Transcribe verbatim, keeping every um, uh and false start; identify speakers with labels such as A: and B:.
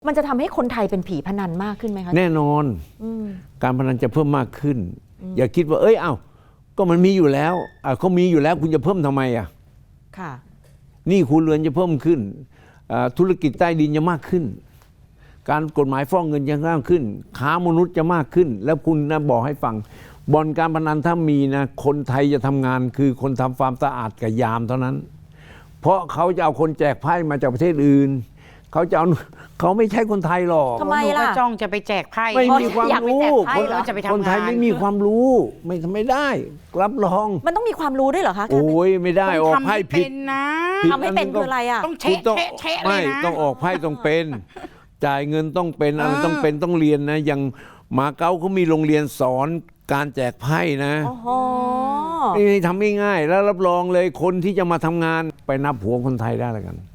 A: มันจะทำให้คนไทยเป็นผีพนันมากขึ้นไหมคะ
B: แน่นอนอการพนันจะเพิ่มมากขึ้นอย่าคิดว่าเอ้ยเอ้าก็มันมีอยู่แล้วอ่ะเขามีอยู่แล้วคุณจะเพิ่มทำไมอ่ะ
A: ค่ะ
B: หนี้ครัวเรือนจะเพิ่มขึ้นธุรกิจใต้ดินจะมากขึ้นการกฎหมายฟอกเงินจะมากขึ้นค้ามนุษย์จะมากขึ้นแล้วคุณนะบอกให้ฟังบ่อนการพนันถ้ามีนะคนไทยจะทำงานคือคนทำความสะอาดกับยามเท่านั้นเพราะเขาจะเอาคนแจกไพ่มาจากประเทศอื่นเขาจะเอาเขาไม่ใช่คนไทยหรอก
A: ทำไมล่ะ
C: จ้องจะไปแจกไพ่
B: ไม่มีความรู้คนไทยไม่มีความรู้ไม่ทำไม่ได้รับรอง
A: มันต้องมีความรู้ด้วยเหรอคะ
B: โอ้ยไม่ได้ออกไพ่ผิด
C: นะ
A: ทำให้เป็นคืออะไรอ่ะ
C: ต้องเช็คเช็ค
B: ไม่ต้องออกไพ่ต้องเป็นจ่ายเงินต้องเป็นอะไรต้องเป็นต้องเรียนนะอย่างมาเก๊าเขามีโรงเรียนสอนการแจกไพ่นะ
A: โอ้โห
B: ไม่ทำง่ายๆแล้วรับรองเลยคนที่จะมาทำงานไปนับหัวคนไทยได้แล้วกัน